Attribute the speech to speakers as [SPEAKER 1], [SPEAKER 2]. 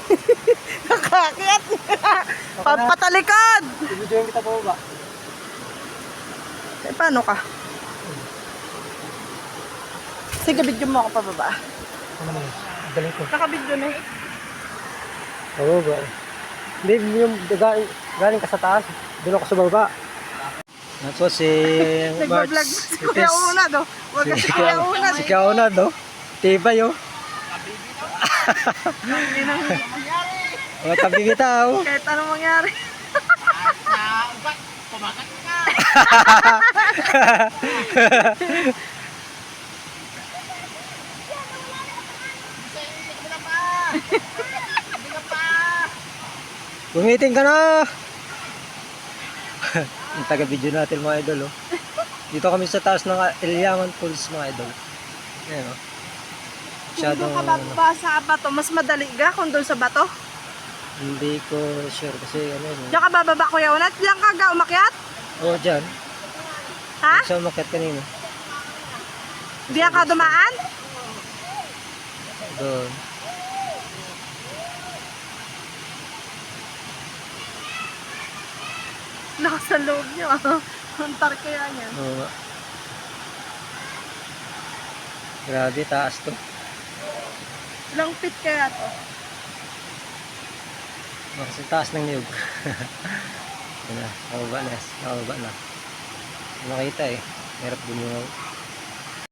[SPEAKER 1] Nakakit. Patalikod.
[SPEAKER 2] Ibigyan kita po ba?
[SPEAKER 1] Eh, paano ka? Sige, video mo ako pababa.
[SPEAKER 2] Ano naman? Galing ko.
[SPEAKER 1] Nakabidyo na eh.
[SPEAKER 2] Oo ba? Hindi, yung galing ka sa taas. Doon ako sa baba. Ako si March.
[SPEAKER 1] Nagbablog si Kuya Unad, oh. Huwag ka si Kuya Unad.
[SPEAKER 2] Si Kuya Unad, no? Tibay, oh. O, tabi kita, oh.
[SPEAKER 1] Kahit anong mangyari.
[SPEAKER 3] Pumakat ka!
[SPEAKER 2] Gumiting ka na! Yung taga-video natin mga idol, oh. Dito kami sa taas ng Iliaman Falls mga idol. Ayan, oh.
[SPEAKER 1] Kung doon ka bababa sa bato, mas madali ka kung doon sa bato?
[SPEAKER 2] Hindi ko sure kasi ano yun.
[SPEAKER 1] Diyan ka bababa, Kuya Unad? Diyan ka umakyat?
[SPEAKER 2] Oo, dyan.
[SPEAKER 1] Ha?
[SPEAKER 2] Sa umakyat kanina.
[SPEAKER 1] Diyan ka dumaan?
[SPEAKER 2] Doon.
[SPEAKER 1] Lakas sa loob niyo. Antar kaya niyan.
[SPEAKER 2] Oo nga. Grabe, taas to.
[SPEAKER 1] Ilang feet kaya to?
[SPEAKER 2] Kasi taas ng niyog. Yan na, nakababa na. Nakababa na. Nakita eh. Hirap din yung